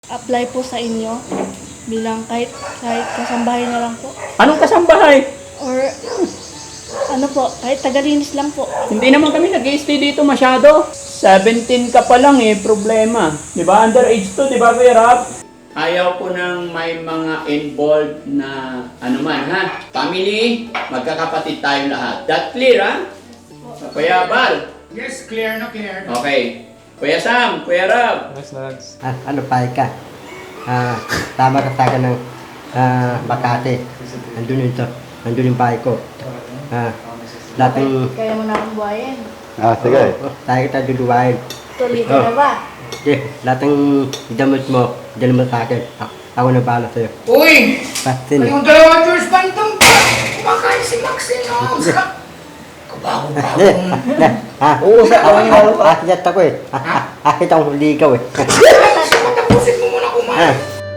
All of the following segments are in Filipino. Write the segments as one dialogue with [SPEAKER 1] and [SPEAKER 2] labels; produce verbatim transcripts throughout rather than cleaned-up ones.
[SPEAKER 1] apply po sa inyo bilang kahit kahit kasambahay na lang po
[SPEAKER 2] Anong kasambahay?
[SPEAKER 1] or ano po, kahit tagalinis lang po.
[SPEAKER 2] Hindi naman kami nag-stay dito masyado. seventeen ka pa lang eh, problema. Di ba? Underage to, di ba, Kuya Rap? Ayaw ko nang may mga involved na ano man, ha? Family, magkakapatid tayo lahat. That clear, ha? Kuya Bal.
[SPEAKER 3] Yes, clear na clear.
[SPEAKER 2] Okay. Kuya Sam, Kuya Rab.
[SPEAKER 4] Ah, ano pa ka? Ah, tama ka sa akin ng ah, Makati. Andun yun to. Andun yung bahay ko. Ah, lahat ng...
[SPEAKER 1] Kaya mo na akong buhayin.
[SPEAKER 4] Ah, sige. Oh, tayo kita duduwain.
[SPEAKER 1] Tuloy ka na ba?
[SPEAKER 4] Okay, lahat ng damot mo, dala mo sa akin. A- ako na bahala sa'yo.
[SPEAKER 3] Uy!
[SPEAKER 4] Pasin.
[SPEAKER 3] Kayong dalawa, George Pantong pa! Kumakain si Maxine, oh! Sarap! Kabago-bago.
[SPEAKER 4] Eh, eh, ah,
[SPEAKER 3] Oo, sa tawang yung halo
[SPEAKER 4] ah, ah, ako eh. Ah, ah, ah, kitang huligaw eh.
[SPEAKER 3] Tapusin mo muna kumain.
[SPEAKER 4] Ah,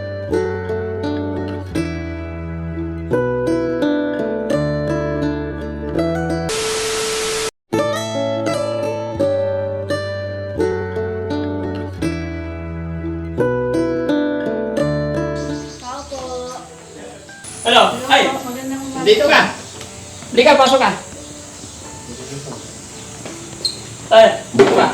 [SPEAKER 1] Tao po.
[SPEAKER 2] Hello. Ay,
[SPEAKER 1] Magandang umaga.
[SPEAKER 2] dito ka. Hindi ka, pasok ka. Ay, dito ka.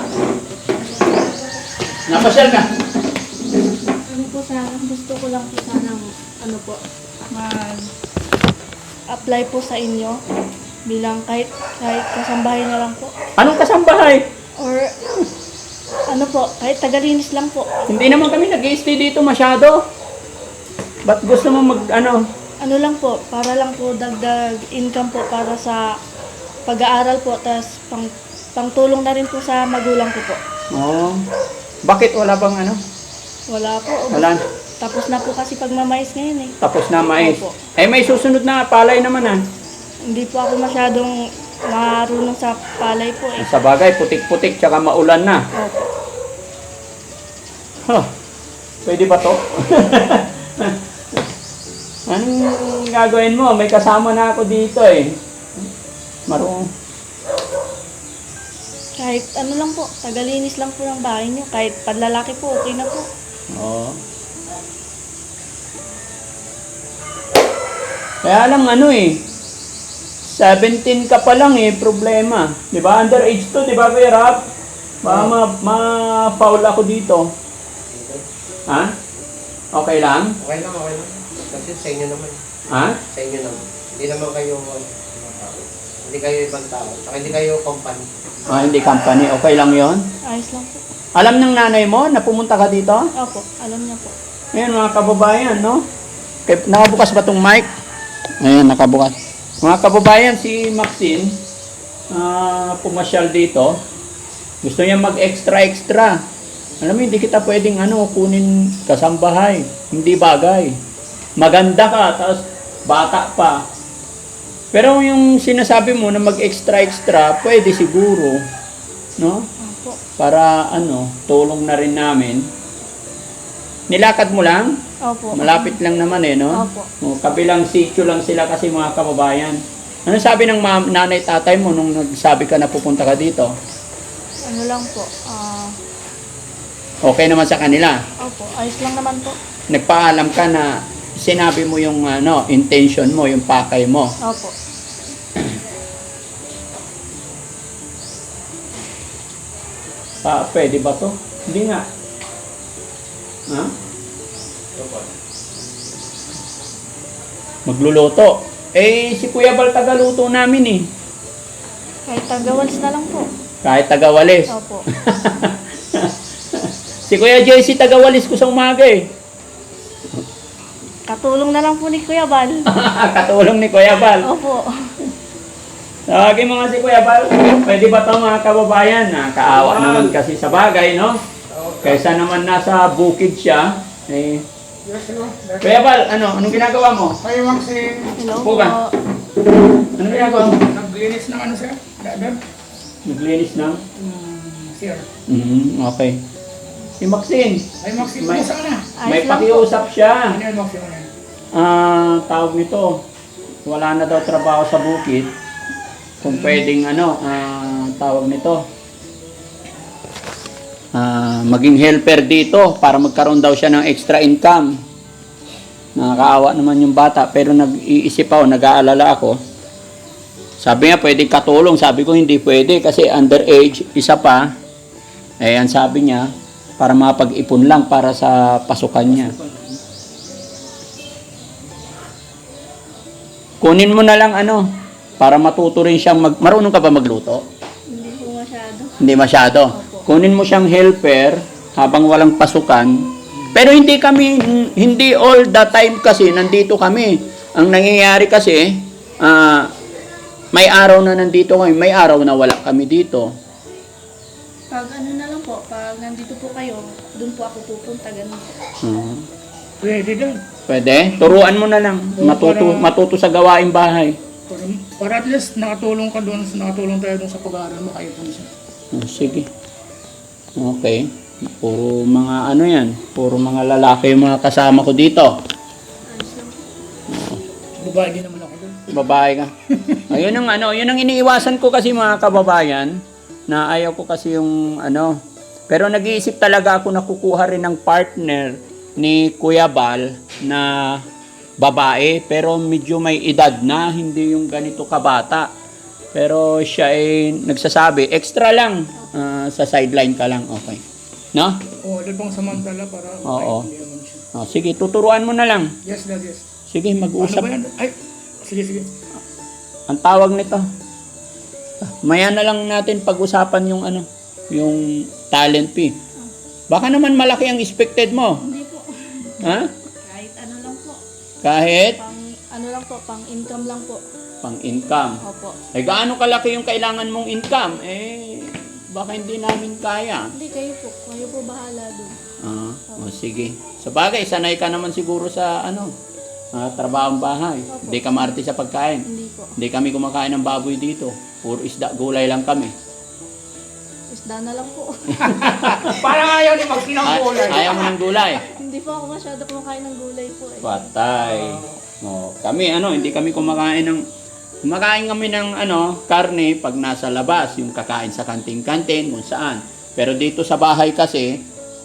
[SPEAKER 2] Napasyal ka.
[SPEAKER 1] Ano po sana, gusto ko lang po sanang ano po, mag apply po sa inyo bilang kahit kahit kasambahay na lang po
[SPEAKER 2] Anong kasambahay?
[SPEAKER 1] or ano po, kahit tagalinis lang po.
[SPEAKER 2] Hindi naman kami nag-stay dito masyado. Ba't gusto mo mag, ano?
[SPEAKER 1] Ano lang po, para lang po dagdag income po para sa pag-aaral po, tas pang pangtulong na rin po sa magulang ko po.
[SPEAKER 2] Oh, bakit wala bang ano?
[SPEAKER 1] Wala po.
[SPEAKER 2] Wala.
[SPEAKER 1] Tapos na po kasi pagmamais ngayon eh.
[SPEAKER 2] Tapos na mais.
[SPEAKER 1] Opo.
[SPEAKER 2] Eh, may susunod na palay naman ah.
[SPEAKER 1] Hindi po ako masyadong marunong sa palay po eh.
[SPEAKER 2] Sa bagay, putik-putik, tsaka maulan na.
[SPEAKER 1] Opo.
[SPEAKER 2] Huh. Pwede ba to? Anong gagawin mo? May kasama na ako dito eh. Marunong.
[SPEAKER 1] Kahit ano lang po, tagalinis lang po ng bahay niyo. Kahit panlalaki po, okay na po.
[SPEAKER 2] Oo. Kaya lang ano eh, seventeen ka pa lang eh, problema. Di ba? Underage to, di ba, Kuya Rap? Baka ma- ma-foul ako dito. Ha? Okay lang?
[SPEAKER 5] Okay lang, okay lang. Kasi sa inyo naman.
[SPEAKER 2] Ha?
[SPEAKER 5] Sa inyo naman. Hindi naman kayo hindi kayo ibang tao. Saka hindi kayo company.
[SPEAKER 2] Ah, hindi company. Okay lang yon.
[SPEAKER 1] Ayos lang po.
[SPEAKER 2] Alam ng nanay mo na pumunta ka dito?
[SPEAKER 1] Opo, alam niya po.
[SPEAKER 2] Ayan mga kababayan, no? Kaya, nakabukas ba tong mic? Ayan, nakabukas. Mga kababayan, si Maxine, ah, pumasyal dito. Gusto niya mag-extra-extra. Alam mo, hindi kita pwedeng ano, kunin kasambahay. Hindi bagay. Maganda ka, tapos bata pa. Pero yung sinasabi mo na mag-extra-extra, pwede siguro. No?
[SPEAKER 1] Opo.
[SPEAKER 2] Para ano, tulong na rin namin. Nilakad mo lang?
[SPEAKER 1] Opo.
[SPEAKER 2] Malapit lang naman eh, no?
[SPEAKER 1] Opo.
[SPEAKER 2] O, kabilang sitio lang sila kasi mga kababayan. Ano sabi ng ma- nanay tatay mo nung nagsabi ka na pupunta ka dito?
[SPEAKER 1] Ano lang po, ah,
[SPEAKER 2] Okay naman sa kanila.
[SPEAKER 1] opo, ayos lang naman po.
[SPEAKER 2] Nagpaalam ka na sinabi mo yung ano, intention mo, yung pakay mo.
[SPEAKER 1] Opo.
[SPEAKER 2] Pa, pwede ba to? Hindi nga. Ha? Magluluto. Eh, si Kuya Bal tagaluto namin eh.
[SPEAKER 1] Kahit tagawalis na lang po.
[SPEAKER 2] Kahit tagawalis.
[SPEAKER 1] Opo.
[SPEAKER 2] Si Kuya J C tagawalis ko sa umaga eh.
[SPEAKER 1] Katulong na lang po ni Kuya Bal.
[SPEAKER 2] Katulong ni Kuya Bal.
[SPEAKER 1] Opo.
[SPEAKER 2] Okay mga si Kuya Bal, pwede ba ito mga kababayan? Nakakaawa naman kasi sa bagay, no? Kaysa naman nasa bukid siya. Eh,
[SPEAKER 3] Yes, hello.
[SPEAKER 2] Kuya Bal, ano? Anong ginagawa mo?
[SPEAKER 3] Hi, Maxine.
[SPEAKER 1] Hello
[SPEAKER 2] Upo
[SPEAKER 1] po.
[SPEAKER 2] ka. Anong ginagawa mo?
[SPEAKER 3] Naglinis ng ano sir? Dadab?
[SPEAKER 2] Naglinis ng?
[SPEAKER 3] Sir.
[SPEAKER 2] Mm, okay. Si Maxine,
[SPEAKER 3] Hi, Maxine.
[SPEAKER 2] May-
[SPEAKER 3] Kumusta ka na?
[SPEAKER 2] may
[SPEAKER 1] Ayos lang po.
[SPEAKER 2] pakiusap siya.
[SPEAKER 3] Ano yan, Maxine? Ano yan?
[SPEAKER 2] Ah, tawag nito. Wala na daw trabaho sa bukid. Kung pwedeng ano, ah, tawag nito. ah, maging helper dito para magkaroon daw siya ng extra income. Nakakaawa naman yung bata, pero nag-iisip ako, nag-aalala ako. Sabi niya, pwede katulong. Sabi ko, hindi pwede kasi underage, isa pa. Eh, ang sabi niya, para mapag-ipon lang para sa pasukan niya. Kunin mo na lang ano, para matuto rin siyang mag... Marunong ka ba magluto?
[SPEAKER 1] Hindi po masyado.
[SPEAKER 2] Hindi masyado. Kunin mo siyang helper habang walang pasukan. Pero hindi kami, hindi all the time kasi nandito kami. Ang nangyayari kasi, ah, may araw na nandito kami, may araw na wala kami dito.
[SPEAKER 1] Pag ano na lang po, pag nandito po kayo, doon po ako pupunta, ganun po.
[SPEAKER 2] Hmm.
[SPEAKER 3] Pwede din.
[SPEAKER 2] Pwede? Turuan mo na lang. Matuto, matuto sa gawaing bahay.
[SPEAKER 3] Para, para at least nakatulong ka doon, nakatulong tayo doon sa pag-aaral mo kayo po siya.
[SPEAKER 2] Oh, sige. Okay. Puro mga ano yan. Puro mga lalaki yung mga kasama ko dito.
[SPEAKER 1] Ayos lang po.
[SPEAKER 3] Babae din naman ako doon.
[SPEAKER 2] Babae ka. Ayun ang ano, yun ang iniiwasan ko kasi mga kababayan, na ayaw ko kasi yung ano. Pero nag-iisip talaga ako na kukuha rin ng partner ni Kuya Bal na babae, pero medyo may edad na, hindi yung ganito kabata. Pero siya ay nagsasabi, extra lang, ah, sa sideline ka lang, okay. No?
[SPEAKER 3] Oo, doon pang samantala para
[SPEAKER 2] Oo.
[SPEAKER 3] makaintindihan mo siya.
[SPEAKER 2] Oh, sige, tuturuan mo na lang.
[SPEAKER 3] Yes, dad, yes.
[SPEAKER 2] Sige,
[SPEAKER 3] Ano
[SPEAKER 2] mag-usap.
[SPEAKER 3] ba yan? Ay, sige, sige.
[SPEAKER 2] Ang tawag nito. Maya na lang natin pag-usapan yung ano, yung talent fee. Baka naman malaki ang expected mo.
[SPEAKER 1] Hindi po.
[SPEAKER 2] Ha?
[SPEAKER 1] Kahit ano lang po.
[SPEAKER 2] Kahit
[SPEAKER 1] Pang ano lang po, pang income lang po.
[SPEAKER 2] pang-income.
[SPEAKER 1] Opo.
[SPEAKER 2] Eh, gaano kalaki yung kailangan mong income? Eh, baka hindi namin kaya.
[SPEAKER 1] Hindi, kayo po. Kayo po bahala doon.
[SPEAKER 2] Ah, o sige. Sa bagay, sanay ka naman siguro sa ano, ah, trabahong bahay.
[SPEAKER 1] Opo.
[SPEAKER 2] Hindi ka maarte sa pagkain.
[SPEAKER 1] Hindi po.
[SPEAKER 2] Hindi kami kumakain ng baboy dito. Puro isda, gulay lang kami.
[SPEAKER 1] Isda na lang po.
[SPEAKER 3] Parang ayaw ni Maxine ng
[SPEAKER 2] Ay,
[SPEAKER 3] gulay.
[SPEAKER 2] ayaw mo ng gulay.
[SPEAKER 1] Hindi po ako masyado kumakain ng gulay po eh.
[SPEAKER 2] Patay. O, kami ano, hindi kami kumakain ng kumakain kami ng ano, karne pag nasa labas, yung kakain sa kanting-kantin, kung saan. Pero dito sa bahay kasi,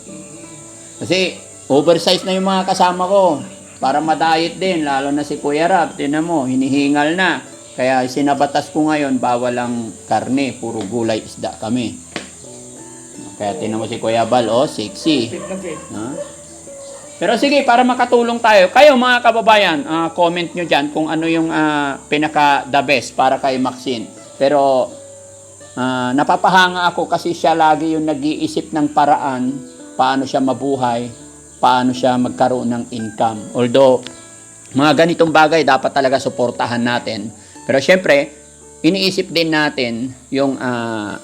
[SPEAKER 2] kasi oversize na yung mga kasama ko para ma-diet din, lalo na si Kuya Rab, tinan mo, hinihingal na. Kaya sinabatas ko ngayon, bawal ang karne, puro gulay isda kami. Kaya tinan mo si Kuya Bal, oh, sexy.
[SPEAKER 3] Fit na fit.
[SPEAKER 2] Ha? Pero sige, para makatulong tayo, kayo mga kababayan, ah, comment nyo dyan kung ano yung ah, pinaka the best para kay Maxine. Pero ah, napapahanga ako kasi siya lagi yung nag-iisip ng paraan paano siya mabuhay, paano siya magkaroon ng income. Although, mga ganitong bagay dapat talaga suportahan natin. Pero syempre, iniisip din natin yung ah,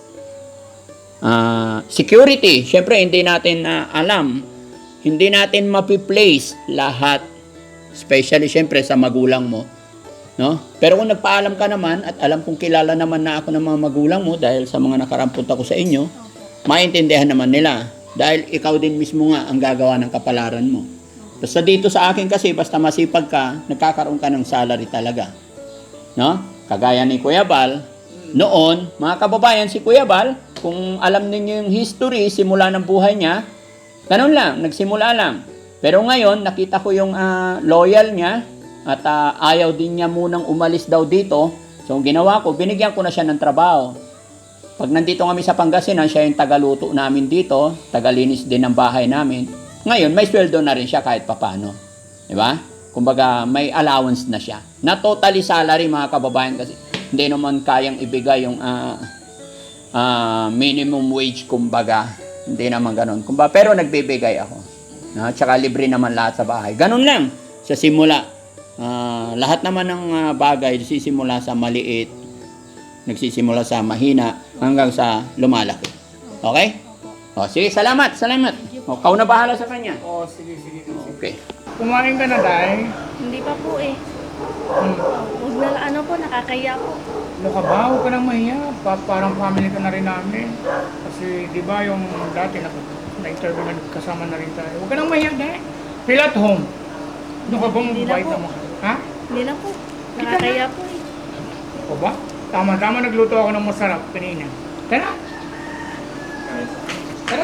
[SPEAKER 2] ah, security. Syempre, hindi natin ah, alam. Hindi natin mapi-place lahat, especially syempre sa magulang mo, no? Pero kung nagpaalam ka naman at alam kong kilala naman na ako ng mga magulang mo dahil sa mga nakarampot ako sa inyo, maintindihan naman nila dahil ikaw din mismo nga ang gagawa ng kapalaran mo. Basta dito sa akin kasi, basta masipag ka, nagkakaroon ka ng salary talaga, no? Kagaya ni Kuya Bal, noon, mga kababayan, si Kuya Bal, kung alam ninyo yung history, simula ng buhay niya, ganun lang, nagsimula lang. Pero ngayon, nakita ko yung ah, loyal niya at ah, ayaw din niya munang umalis daw dito. So, ang ginawa ko, binigyan ko na siya ng trabaho. Pag nandito kami sa Pangasinan, siya yung tagaluto namin dito, tagalinis din ng bahay namin. Ngayon, may sweldo na rin siya kahit papano. Di ba? Kumbaga, may allowance na siya. Na totally salary, mga kababayan, kasi hindi naman kayang ibigay yung ah, ah, minimum wage, kumbaga. Hindi naman ganun. Kumbaga, pero nagbibigay ako. No? Tsaka libre naman lahat sa bahay. Ganun lang. Sa simula. Ah, lahat naman ng ah, bagay nagsisimula sa maliit. Nagsisimula sa mahina hanggang sa lumalaki. Okay? O, sige, salamat, salamat. O, kau na bahala sa kanya.
[SPEAKER 3] Oh, sige, sige. sige.
[SPEAKER 2] Okay.
[SPEAKER 3] Kumain ka na, Day?
[SPEAKER 1] Hindi pa po eh.
[SPEAKER 3] Hmm.
[SPEAKER 1] Huwag na ano po, nakakaya po.
[SPEAKER 3] Ano ka ba? Huwag ka nang mahiya. Pa parang family ka na rin namin. Kasi, di ba, yung dati na, na-interview na kasama na rin tayo. Huwag ka nang mahiya, Day. Feel at home. Ano ka bang
[SPEAKER 1] Hindi na
[SPEAKER 3] bait
[SPEAKER 1] po.
[SPEAKER 3] naman? Ha?
[SPEAKER 1] Hindi na po. Nakakaya po eh.
[SPEAKER 3] O ba? Tama-tama nagluto ako ng masarap kanina. Tara! Tara!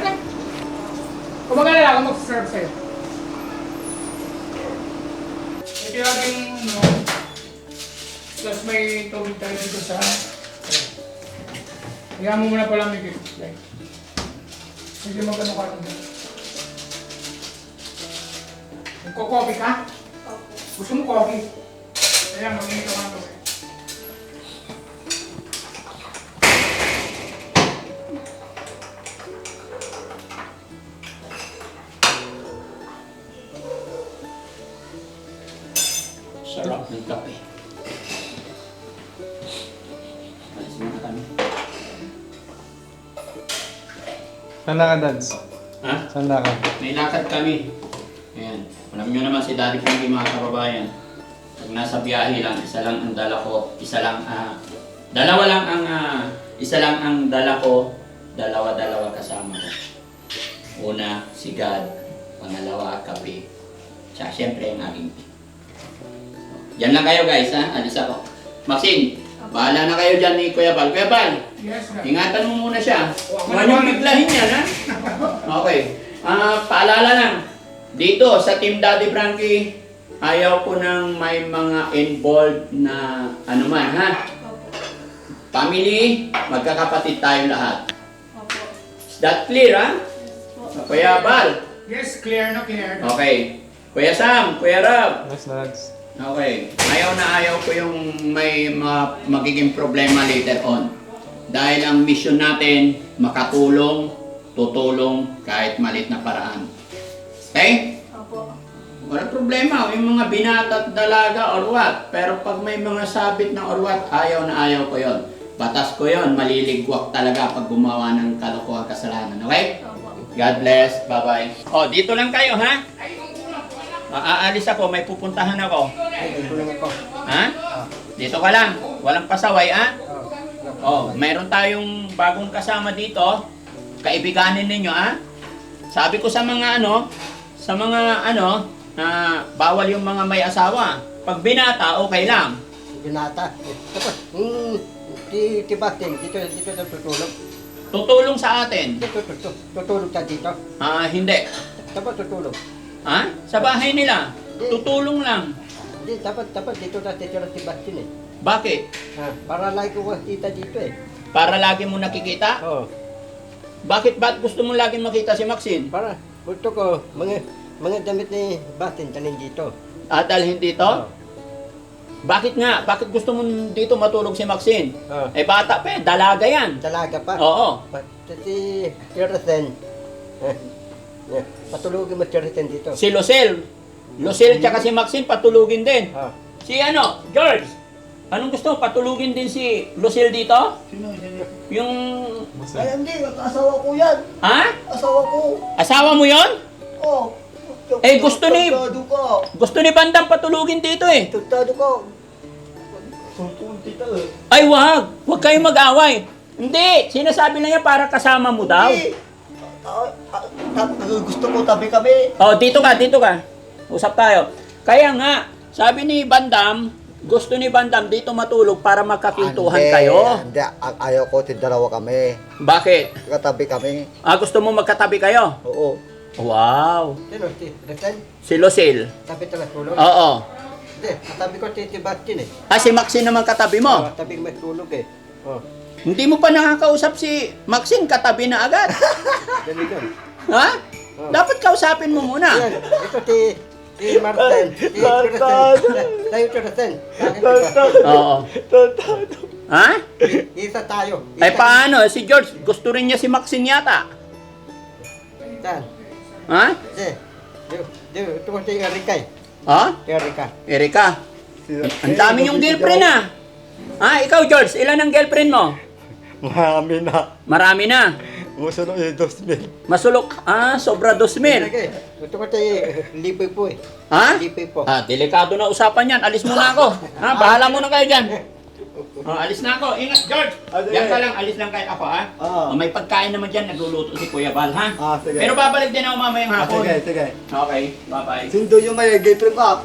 [SPEAKER 3] Kung mag-alala ako, mag-serve sa'yo. Ito yung aking, ano, tapos may tubig tayo dito sa... Kaya mo muna pala may kit. Hindi mag-ano ka rin. Magko-coffee ka? Gusto mo coffee? Kaya mag-init ako ng coffee.
[SPEAKER 2] Sarap ng kape. Alis muna kami.
[SPEAKER 6] Saan na ka, Dads?
[SPEAKER 2] Ha?
[SPEAKER 6] Saan na ka?
[SPEAKER 2] May lakad kami. Ayan. Alam nyo naman si Daddy Frankie, mga kababayan. Pag nasa biyahe lang, isa lang ang dala ko. Isa lang, ah... dalawa lang ang, ah... isa lang ang dala ko. Dalawa-dalawa kasama ko. Una, si God. Pangalawa, kape. Tsaka syempre ang aking tea. Yan lang kayo guys, ha? Alis ako. Maxine, bahala na kayo dyan ni Kuya Bal. Kuya Bal,
[SPEAKER 3] Yes, sir.
[SPEAKER 2] ingatan mo muna siya. Huwag niyong biglahin yan, ha? Okay. Ah, paalala lang. Dito, sa Team Daddy Frankie, ayaw ko nang may mga involved na ano man, ha?
[SPEAKER 1] Opo.
[SPEAKER 2] Family, magkakapatid tayo lahat.
[SPEAKER 1] Opo.
[SPEAKER 2] Is that clear, ha?
[SPEAKER 1] Yes po.
[SPEAKER 2] Kuya Bal.
[SPEAKER 3] Yes, clear na clear.
[SPEAKER 2] Okay. Kuya Sam, Kuya Rob.
[SPEAKER 6] Yes, Dads.
[SPEAKER 2] Okay. Ayaw na ayaw ko yung may ma- magiging problema later on. Dahil ang mission natin, makatulong, tutulong kahit malit na paraan. Okay?
[SPEAKER 1] Opo.
[SPEAKER 2] Wala problema, yung mga binata at dalaga or what. Pero pag may mga sabit na or what, ayaw na ayaw ko yon. Batas ko yon, maliligwak talaga pag gumawa ng kalokohan kasalanan. Okay?
[SPEAKER 1] Opo.
[SPEAKER 2] God bless. Bye-bye. Oh, dito lang kayo, ha? Aalis ako, may pupuntahan ako.
[SPEAKER 4] Ay, tulong ako.
[SPEAKER 2] Ha? Dito ka lang. Walang pasaway, ha? Oh, mayroon tayong bagong kasama dito. Kaibiganin ninyo, ha? Sabi ko sa mga ano, sa mga ano, na bawal yung mga may asawa. Pag binata, okay lang.
[SPEAKER 4] Binata. Tapos, hmm, di, di Batin, dito, dito na tutulog.
[SPEAKER 2] Tutulong sa atin.
[SPEAKER 4] Dito, dito, tutulog ka dito.
[SPEAKER 2] Ah, hindi.
[SPEAKER 4] Tapos tutulog.
[SPEAKER 2] Ha? Sa bahay nila. Tutulong lang.
[SPEAKER 4] Hindi, dapat, dapat dito na dito na si Batin eh.
[SPEAKER 2] Bakit?
[SPEAKER 4] Ha, para lagi ko kita dito eh.
[SPEAKER 2] Para lagi mo nakikita?
[SPEAKER 4] Oo.
[SPEAKER 2] Bakit ba't gusto mo lagi makita si Maxine?
[SPEAKER 4] Para, gusto ko, mga, mga damit ni Batin tanin dito.
[SPEAKER 2] At dalhin dito?
[SPEAKER 4] Oo.
[SPEAKER 2] Bakit nga? Bakit gusto mo dito matulog si Maxine?
[SPEAKER 4] Oo.
[SPEAKER 2] Eh bata pa eh, dalaga yan.
[SPEAKER 4] Dalaga pa.
[SPEAKER 2] Oo.
[SPEAKER 4] Pati si Tiresen. Eh, patulogin mo Tiresen dito.
[SPEAKER 2] Si Lucille. Lucille tsaka si Maxine patulugin din.
[SPEAKER 4] Ah.
[SPEAKER 2] Si ano, George. Anong gusto mo? Patulugin din si Lucille dito?
[SPEAKER 4] Sino, sino?
[SPEAKER 2] Yung...
[SPEAKER 4] Ay, hindi. Asawa ko yan.
[SPEAKER 2] Ha?
[SPEAKER 4] Asawa ko.
[SPEAKER 2] Asawa mo yon?
[SPEAKER 4] Oh.
[SPEAKER 2] Eh, gusto ni-
[SPEAKER 4] Tuntado ka.
[SPEAKER 2] Gusto ni Bandang patulugin dito eh.
[SPEAKER 4] Tuntado ka. Tuntun kita eh.
[SPEAKER 2] Ay wag! Huwag kayong mag-away. Hindi! Sinasabi lang yan para kasama mo daw.
[SPEAKER 4] Hindi. Ah, ah, ah, gusto ko tabi kami.
[SPEAKER 2] Oh, dito ka, dito ka. Usap tayo. Kaya nga, sabi ni Bandam, gusto ni Bandam dito matulog para magkakintuhan
[SPEAKER 7] Hindi,
[SPEAKER 2] kayo.
[SPEAKER 7] Hindi, ang ayaw ko, dalawa kami.
[SPEAKER 2] Bakit?
[SPEAKER 7] Katabi kami.
[SPEAKER 2] Ah, gusto mo magkatabi kayo?
[SPEAKER 7] Oo.
[SPEAKER 2] Wow!
[SPEAKER 4] Sino? Si Tiresen?
[SPEAKER 2] Si Lucille.
[SPEAKER 4] Tabi talaga tulog?
[SPEAKER 2] Oo.
[SPEAKER 4] Hindi. Tabi ko si si Batin eh.
[SPEAKER 2] Ah, si Maxine naman katabi mo.
[SPEAKER 4] Ah, tabi mo tulog eh. Oh.
[SPEAKER 2] Hindi mo pa nakakausap si Maxine, katabi na agad.
[SPEAKER 4] Ganun yun.
[SPEAKER 2] Ha? Dapat kausapin mo muna.
[SPEAKER 4] Yan. Ito si si Martin. Si Tiresen. Tayo Tiresen.
[SPEAKER 2] Oo. Ha?
[SPEAKER 4] Isa tayo.
[SPEAKER 2] Ay paano? Si George, gusto rin niya si Maxine yata.
[SPEAKER 4] Saan?
[SPEAKER 2] Ha?
[SPEAKER 4] Si. Di, di, ito ko si Erika eh.
[SPEAKER 2] Ha?
[SPEAKER 4] Si Erika.
[SPEAKER 2] Erika, ang dami yung girlfriend ah. Ha? Ikaw George, ilan ang girlfriend mo?
[SPEAKER 7] Marami na.
[SPEAKER 2] Marami na.
[SPEAKER 7] Musunod yung dos mil.
[SPEAKER 2] Masulok. Ah, sobra dos mil.
[SPEAKER 4] Erika eh. Ito ko si Lipoy po eh.
[SPEAKER 2] Ha?
[SPEAKER 4] Lipoy po.
[SPEAKER 2] Ah, delikado na usapan yan. Alis muna ako. Ha? Bahala muna kayo dyan. Ah, alis na ako. Ingat, George. Diyan ka lang. Alis lang kayo ako, ha?
[SPEAKER 7] Ah.
[SPEAKER 2] Ah, may pagkain naman dyan. Nagluluto si Kuya Bal, ha?
[SPEAKER 7] Ah, sige.
[SPEAKER 2] Pero babalik din ako mamayang
[SPEAKER 7] Ah,
[SPEAKER 2] hapon.
[SPEAKER 7] sige, sige.
[SPEAKER 2] Okay, bye-bye.
[SPEAKER 7] Sundo yung may girlfriend up.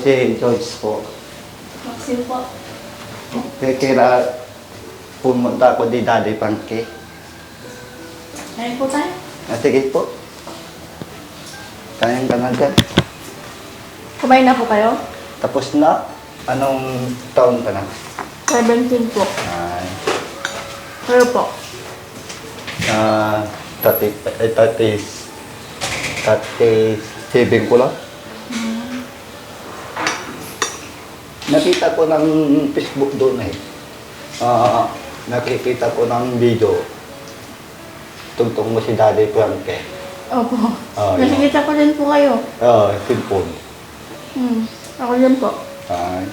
[SPEAKER 7] si George po.
[SPEAKER 1] Maxine po.
[SPEAKER 7] Kaya kaya pumunta ako di Daddy Frankie.
[SPEAKER 1] Ayun po tayo.
[SPEAKER 7] Ah, sige po. Kayang ka na dyan.
[SPEAKER 1] Kumain na po kayo?
[SPEAKER 7] Tapos na. Anong taon ka na?
[SPEAKER 1] seventeen po.
[SPEAKER 7] Ay.
[SPEAKER 1] Kayo po.
[SPEAKER 7] Ah, thirty, eh, thirty, thirty-seven ko lang. Nakita ko ng Facebook doon eh. Ah, nakikita ko ng video. Tugtong mo si Daddy Frankie.
[SPEAKER 1] Opo.
[SPEAKER 7] Oh, yun.
[SPEAKER 1] Nakikita ko din po kayo.
[SPEAKER 7] Ah, cellphone.
[SPEAKER 1] Hmm. Ako din po.
[SPEAKER 7] Ay.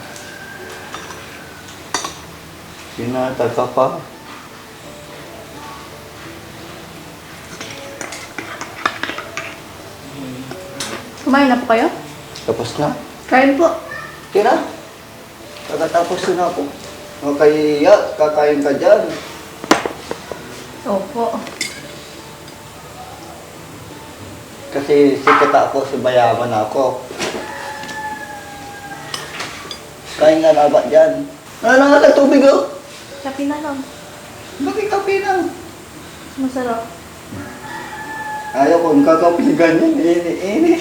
[SPEAKER 7] Sinata ka pa.
[SPEAKER 1] Kumain na po kayo?
[SPEAKER 7] Tapos na.
[SPEAKER 1] Kain po.
[SPEAKER 7] Tira. Pagkatapos na ako. Makaiya, kakain ka dyan.
[SPEAKER 1] Opo.
[SPEAKER 7] Kasi sikat ako, subayaman ako. Kain nga na ba dyan? Ano nga na tubig oh?
[SPEAKER 1] Kapi na lang.
[SPEAKER 7] Bakit kape na?
[SPEAKER 1] Masarap.
[SPEAKER 7] Ayaw kong kakape ganyan, ini-ini.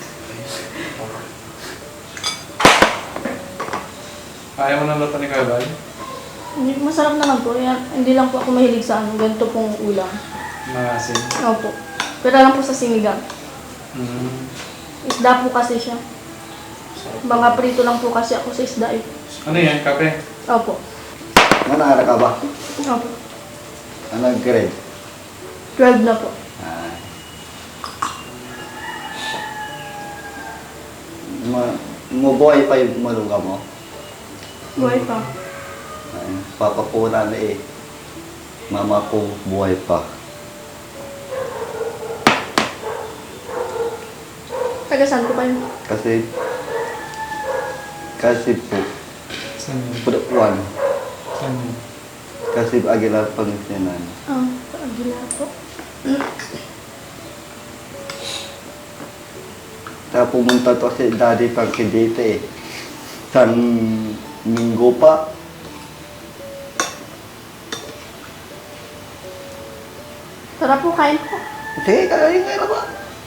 [SPEAKER 6] Ayaw mo ng luto ni Kuya Bal?
[SPEAKER 1] Hindi, masarap naman po. Yan, hindi lang po ako mahilig sa ano, ganito pong ulam.
[SPEAKER 6] Maasim.
[SPEAKER 1] Opo. Pero lang po sa sinigang.
[SPEAKER 6] Mm.
[SPEAKER 1] Isda po kasi siya. Mga prito lang po kasi ako sa isda eh.
[SPEAKER 6] Ano yan? Kape?
[SPEAKER 1] Opo.
[SPEAKER 7] Manara ka ba?
[SPEAKER 1] Opo.
[SPEAKER 7] Anong grade?
[SPEAKER 1] twelve na po.
[SPEAKER 7] Ah. Ma Mabuhay pa yung maluga mo?
[SPEAKER 1] Buhay pa.
[SPEAKER 7] Ay, papa po na na eh. Mama ko buhay pa.
[SPEAKER 1] Taga saan po kayo?
[SPEAKER 7] Kasi, kasi po,
[SPEAKER 6] Saan yun?
[SPEAKER 7] Pudakuan.
[SPEAKER 6] Saan yun?
[SPEAKER 7] Kasi Aguilar Pangasinan.
[SPEAKER 1] Ah, sa Aguilar po.
[SPEAKER 7] Kaya pumunta to si Daddy Frankie dito eh. San Minggo pa.
[SPEAKER 1] Tara po, kain po.
[SPEAKER 7] Sige, kakain ka na ba?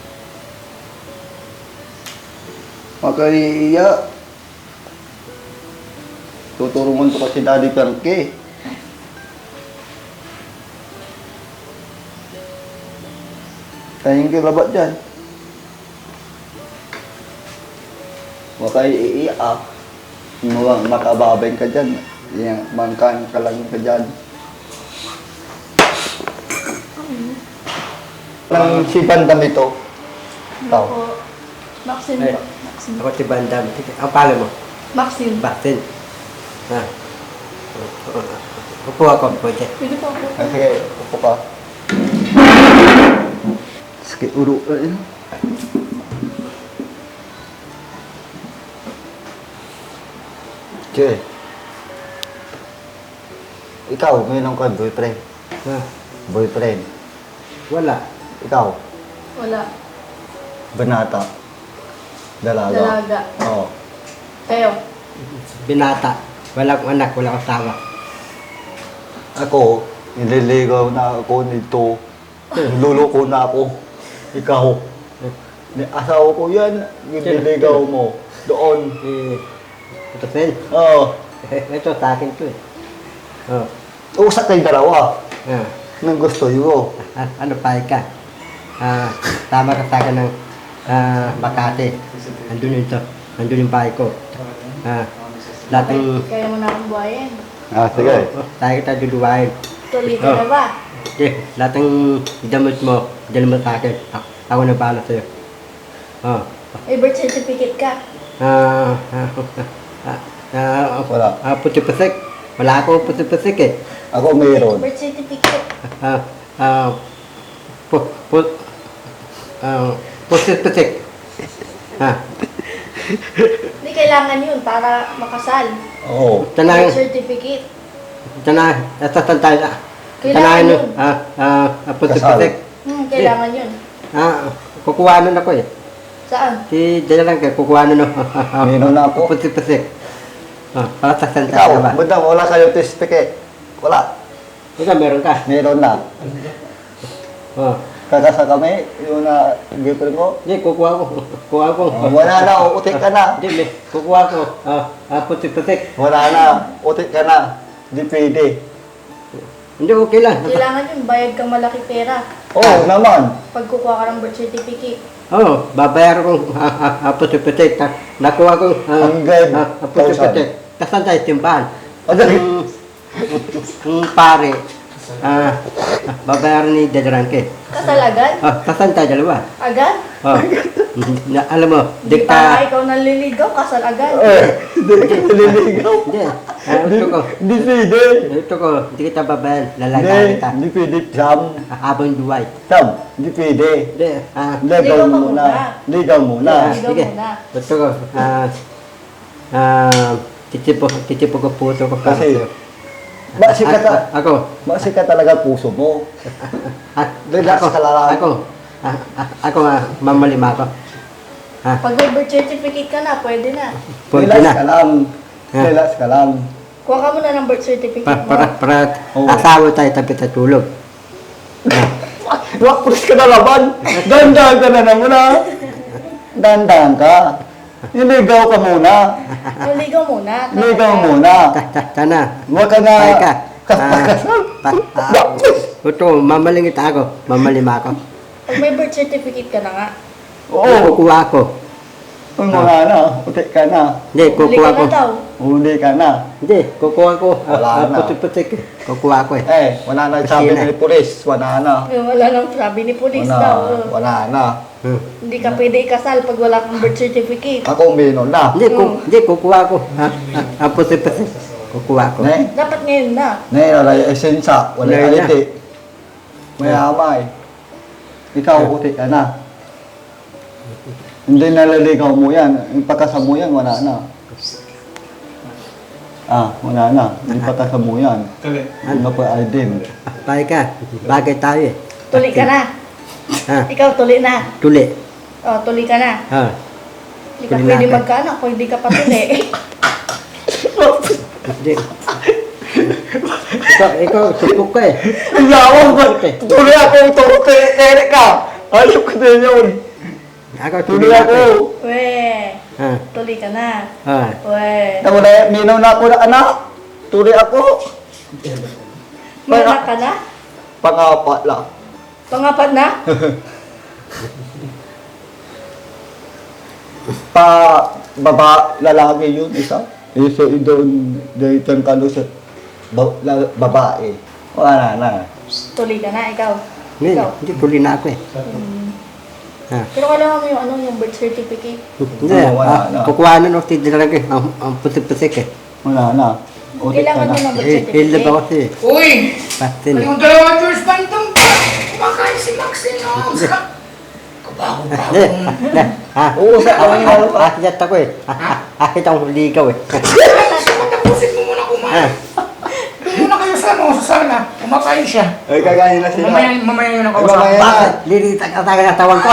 [SPEAKER 7] Makaiya. Tuturungan ko kasi Daddy Frankie. Kayang kilabat dyan. Makaiiya ah. Mga makababay ka dyan. Yang mangkan ka lang ka dyan. Lang si Bandam ito. Tao.
[SPEAKER 1] Ako, Maxine
[SPEAKER 4] Ay.
[SPEAKER 1] po. Maxine.
[SPEAKER 4] Ako si Bandam. Ang pangalan mo?
[SPEAKER 1] Maxine.
[SPEAKER 4] Baksin. Ha? Upo ako, pwede.
[SPEAKER 1] Pwede po ako.
[SPEAKER 7] Ah, sige, upo ka. Sige, uro. eh. Sige. Ikaw, mayroon ka boyfriend.
[SPEAKER 4] Ha?
[SPEAKER 7] Boyfriend.
[SPEAKER 4] Wala.
[SPEAKER 7] Ikaw,
[SPEAKER 1] Wala.
[SPEAKER 7] banata. Dalaga.
[SPEAKER 1] Dalaga.
[SPEAKER 7] Oo.
[SPEAKER 1] Kayo.
[SPEAKER 4] Binata. Wala akong anak, wala akong asawa.
[SPEAKER 7] Ako, nililigaw na ako nito. Niluloko na ako. Ikaw. Ni- Asawa ko yan, nililigaw mo. Doon.
[SPEAKER 4] Eh, ito Sen.
[SPEAKER 7] Oo.
[SPEAKER 4] Ito sa akin to eh. Oh.
[SPEAKER 7] Usap kayong dalawa.
[SPEAKER 4] Ah.
[SPEAKER 7] Nang gusto nyo.
[SPEAKER 4] Ah, ano pa ka? Ah, tama ka sa akin ng ah, Makati. Andun yun to. Andun yung bahay ko. Ah, lahat ng...
[SPEAKER 1] Kaya mo na akong buhayin.
[SPEAKER 7] Ah, sige.
[SPEAKER 4] Oh, tayo kita duduwain.
[SPEAKER 1] Tuloy ka na ba?
[SPEAKER 4] Okay, lahat ng damit mo, dyan mo sa akin. A- Ako na bahala sa'yo. Oh.
[SPEAKER 1] May birth certificate ka.
[SPEAKER 4] Ah, ah, ah, ah,
[SPEAKER 7] Wala.
[SPEAKER 4] ah, puti-pusik. Wala akong puti-pusik eh.
[SPEAKER 7] Ako mayroon.
[SPEAKER 1] Birth certificate.
[SPEAKER 4] Ah, ah, pu, pu, ah, puti-pusik. Ah,
[SPEAKER 1] Hindi kailangan yun para makasal.
[SPEAKER 7] Oo.
[SPEAKER 4] tanay,
[SPEAKER 1] Birth certificate.
[SPEAKER 4] tanay, nasasal tayo na.
[SPEAKER 1] Kailangan
[SPEAKER 4] Tanayan
[SPEAKER 1] yun.
[SPEAKER 4] mo, ah, ah, ah, puti-pusik.
[SPEAKER 1] Hmm, kailangan yun.
[SPEAKER 4] Ah, kukuha nun ako eh.
[SPEAKER 1] Saan?
[SPEAKER 4] Si Dalarangke, kukuha na no.
[SPEAKER 7] Meron na ako.
[SPEAKER 4] Putik-putik. Ah, para sa santa
[SPEAKER 7] Ikaw,
[SPEAKER 4] ka ba?
[SPEAKER 7] madam, wala kayong toothpick eh. Wala.
[SPEAKER 4] Ikaw, meron ka.
[SPEAKER 7] Meron na.
[SPEAKER 4] Oh.
[SPEAKER 7] Kakasa kami, yung na girlfriend ko.
[SPEAKER 4] Hindi, kukuha ko. Kukuha ko.
[SPEAKER 7] Oh, wala na, utik ka na.
[SPEAKER 4] Hindi, may- kukuha ko. Ah, ah, putik-putik.
[SPEAKER 7] Wala na, utik ka na. Di pwede.
[SPEAKER 4] Hindi, okay lang.
[SPEAKER 1] Kailangan yun, bayad kang malaki pera.
[SPEAKER 7] Oo naman.
[SPEAKER 1] Pag kukuha ka ng birth certificate.
[SPEAKER 4] Oo, oh, babayar ko ah, ah, ah, putik-putik. Ta- Nakuha ko ah,
[SPEAKER 7] Hanggang
[SPEAKER 4] ah, ah, putik-putik. Kasan tayo simbahan?
[SPEAKER 7] Madali.
[SPEAKER 4] Ang ang pare, ah, ah, babayaran ni Dadarangke.
[SPEAKER 1] Kasal agad?
[SPEAKER 4] Ah, kasan tayo dalawa?
[SPEAKER 1] Agad?
[SPEAKER 4] Oh. Na, alam mo,
[SPEAKER 1] Di pa nga
[SPEAKER 4] dikta...
[SPEAKER 1] ikaw naliligaw, kasal agad.
[SPEAKER 7] Eh, di ka naliligaw.
[SPEAKER 4] Hindi, ah, ito ko.
[SPEAKER 7] Di pwede.
[SPEAKER 4] Ito ko, hindi kita babayan.
[SPEAKER 7] Di,
[SPEAKER 4] Lalagayan kita.
[SPEAKER 7] di pwede, Sam.
[SPEAKER 4] Ah, habang duway.
[SPEAKER 7] Sam, di pwede.
[SPEAKER 4] Hindi, ah,
[SPEAKER 7] Ligaw
[SPEAKER 1] Ligaw ka
[SPEAKER 7] muna.
[SPEAKER 1] muna.
[SPEAKER 7] Ligaw muna.
[SPEAKER 4] Ah,
[SPEAKER 1] Ligaw
[SPEAKER 4] sige.
[SPEAKER 1] muna.
[SPEAKER 4] Ito ko, ah, ah, titipo, titipo ko puso ko. para
[SPEAKER 7] Kasi,
[SPEAKER 4] sa'yo.
[SPEAKER 7] Basi ka,
[SPEAKER 4] Ah,
[SPEAKER 7] ta
[SPEAKER 4] ah, ako,
[SPEAKER 7] basi ka talaga puso mo.
[SPEAKER 4] ah,
[SPEAKER 7] Relax
[SPEAKER 4] ako,
[SPEAKER 7] ka lang.
[SPEAKER 4] ako, ah, ah, ako, ah, mamalima ako. Ah,
[SPEAKER 1] Pag may birth certificate ka na, pwede na.
[SPEAKER 4] pwede
[SPEAKER 7] Relax
[SPEAKER 4] na.
[SPEAKER 7] ka lang.
[SPEAKER 4] Ha?
[SPEAKER 7] Relax ka lang.
[SPEAKER 1] Kuha ka muna ng birth certificate
[SPEAKER 4] Pa,
[SPEAKER 1] mo.
[SPEAKER 4] para, para,
[SPEAKER 7] Oo.
[SPEAKER 4] asawa tayo tapi tatulog. Ah,
[SPEAKER 7] Wakpus ka na laban. Dandahan ka na naman ha. Dandahan ka. Niligaw ka muna.
[SPEAKER 1] Naligaw muna. tapos
[SPEAKER 7] Niligaw
[SPEAKER 1] ka-
[SPEAKER 7] muna.
[SPEAKER 4] ta, ta, sana.
[SPEAKER 7] Huwag ka na.
[SPEAKER 4] Ay ka.
[SPEAKER 7] Kasal.
[SPEAKER 4] Pa, ah, ito, mamalingit ako. Mamalima ako.
[SPEAKER 1] Pag may birth certificate ka na nga.
[SPEAKER 7] Oo.
[SPEAKER 4] Kukuha ko.
[SPEAKER 7] Uy, mga na. Utik ka na.
[SPEAKER 4] Hindi,
[SPEAKER 1] Huli
[SPEAKER 4] kukuha
[SPEAKER 1] ka
[SPEAKER 4] ko.
[SPEAKER 1] na daw.
[SPEAKER 7] Huli ka na.
[SPEAKER 4] Hindi, kukuha ko.
[SPEAKER 7] Wala
[SPEAKER 4] Ah,
[SPEAKER 7] na.
[SPEAKER 4] putik-putik. Kukuha ko eh.
[SPEAKER 7] Eh, wala na sabi
[SPEAKER 4] Kasi na.
[SPEAKER 7] ni polis. Wala na.
[SPEAKER 1] Eh, Wala nang sabi ni police
[SPEAKER 7] Wala.
[SPEAKER 1] daw.
[SPEAKER 7] Wala na.
[SPEAKER 4] Hmm.
[SPEAKER 1] Hindi ka pwede ikasal pag wala kang birth certificate.
[SPEAKER 7] Ako meron na.
[SPEAKER 4] Hindi, ku,
[SPEAKER 1] Hmm.
[SPEAKER 4] hindi, kukuha ko. Ah, ah, ah, putik-putik. Kukuha ko.
[SPEAKER 7] Ne?
[SPEAKER 1] Dapat ngayon na.
[SPEAKER 7] Ne, wala yung esensya. Wala
[SPEAKER 4] Wala
[SPEAKER 7] yung
[SPEAKER 4] na.
[SPEAKER 7] aliti. Mayamay. Ikaw, utik ka na. Hindi naliligaw mo yan. Yung pagkasa mo yan, wala na. Ah, wala na. Yung pagkasa mo yan.
[SPEAKER 6] Tuloy.
[SPEAKER 7] Ano pa ay din.
[SPEAKER 4] Ah, Pare ka, bagay tayo eh.
[SPEAKER 1] Tuli ka na.
[SPEAKER 4] Ha,
[SPEAKER 1] Ikaw tuli na.
[SPEAKER 4] tuli.
[SPEAKER 1] O, tuli ka na.
[SPEAKER 4] Ha,
[SPEAKER 1] Hindi ka
[SPEAKER 4] Tuli
[SPEAKER 1] pwede
[SPEAKER 4] na ka.
[SPEAKER 1] magkaanak kung hindi ka pa tuli.
[SPEAKER 4] hindi. Ikaw, ikaw, supok ka eh.
[SPEAKER 7] Yawan ba? Tuloy ako, turo kay Eric ka. Ayok ko din yun.
[SPEAKER 4] Ako, tuli
[SPEAKER 7] Tuloy
[SPEAKER 4] ako
[SPEAKER 7] ako.
[SPEAKER 4] eh.
[SPEAKER 1] We,
[SPEAKER 4] Ha,
[SPEAKER 1] tuli ka na.
[SPEAKER 4] ha.
[SPEAKER 1] We,
[SPEAKER 7] Wala, minaw na ako na anak. Tuloy ako.
[SPEAKER 1] may anak ka na?
[SPEAKER 7] Pangapat lang.
[SPEAKER 1] Pangapat na?
[SPEAKER 7] Pa, baba, lalaki yun, isa. Isa doon, dito ang kalo sa ba, la, babae. Wala na.
[SPEAKER 1] Tuli ka na, ikaw.
[SPEAKER 4] Hindi,
[SPEAKER 1] Ikaw.
[SPEAKER 4] hindi, tuli na ako eh.
[SPEAKER 1] Hmm.
[SPEAKER 4] Ha.
[SPEAKER 1] Pero kailangan mo yung ano, yung birth certificate.
[SPEAKER 4] Hindi,
[SPEAKER 7] Oo, wala
[SPEAKER 4] ah,
[SPEAKER 7] na.
[SPEAKER 4] kukuha na nung tidrag eh. Ang, ang putik-putik eh.
[SPEAKER 7] Wala na. Ulit ka
[SPEAKER 1] Kailangan
[SPEAKER 7] na.
[SPEAKER 1] mo ng birth
[SPEAKER 4] Eh, hilda ba
[SPEAKER 1] certificate.
[SPEAKER 4] kasi?
[SPEAKER 3] Uy!
[SPEAKER 4] Patin.
[SPEAKER 3] Yung dalawa George Pantong kumakain si Maxine. Oh. Kabago-bago.
[SPEAKER 4] Hindi, hindi. Ha?
[SPEAKER 7] Oo, sa awang halo pa.
[SPEAKER 4] Akit ako eh. Akit ang ligaw eh.
[SPEAKER 3] Tapusin mo muna kumain. Doon muna kayo sa ano, sa sala. Kumakain siya.
[SPEAKER 7] Ay, kagahin na sila.
[SPEAKER 3] Mamaya, mamaya yun ang
[SPEAKER 7] Ay,
[SPEAKER 3] kausap.
[SPEAKER 7] mamaya.
[SPEAKER 4] Bakit? Lilitak ang taga ng tawag ko.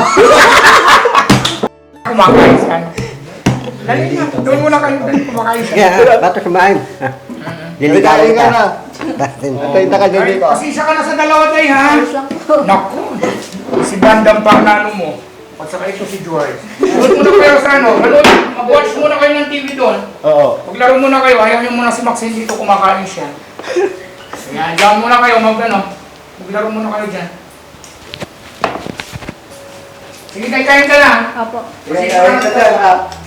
[SPEAKER 3] Kumakain siya. Dali na. Doon muna kayo. Dali kumakain siya.
[SPEAKER 4] Kaya, bato sumain. Liligaw
[SPEAKER 7] Kagahin ka
[SPEAKER 4] kita.
[SPEAKER 7] na.
[SPEAKER 4] Patin.
[SPEAKER 7] Atay na ka dyan
[SPEAKER 3] Ay,
[SPEAKER 7] dito.
[SPEAKER 3] pasisa ka na sa dalawa tayo, ha?
[SPEAKER 1] Ayos lang po.
[SPEAKER 3] Naku. Si Bandam pa ang nano mo. At saka ito si George. Doon muna kayo sa ano. Manood, mag-watch muna kayo ng T V doon.
[SPEAKER 7] Oo.
[SPEAKER 3] Maglaro muna kayo. Ayaw niyo muna si Maxine dito kumakain siya. Ayan, dyan muna kayo. Mag, ano, maglaro muna kayo dyan. Sige, kain-kain ka na.
[SPEAKER 1] Apo.
[SPEAKER 7] Kagahin ka dyan, ha?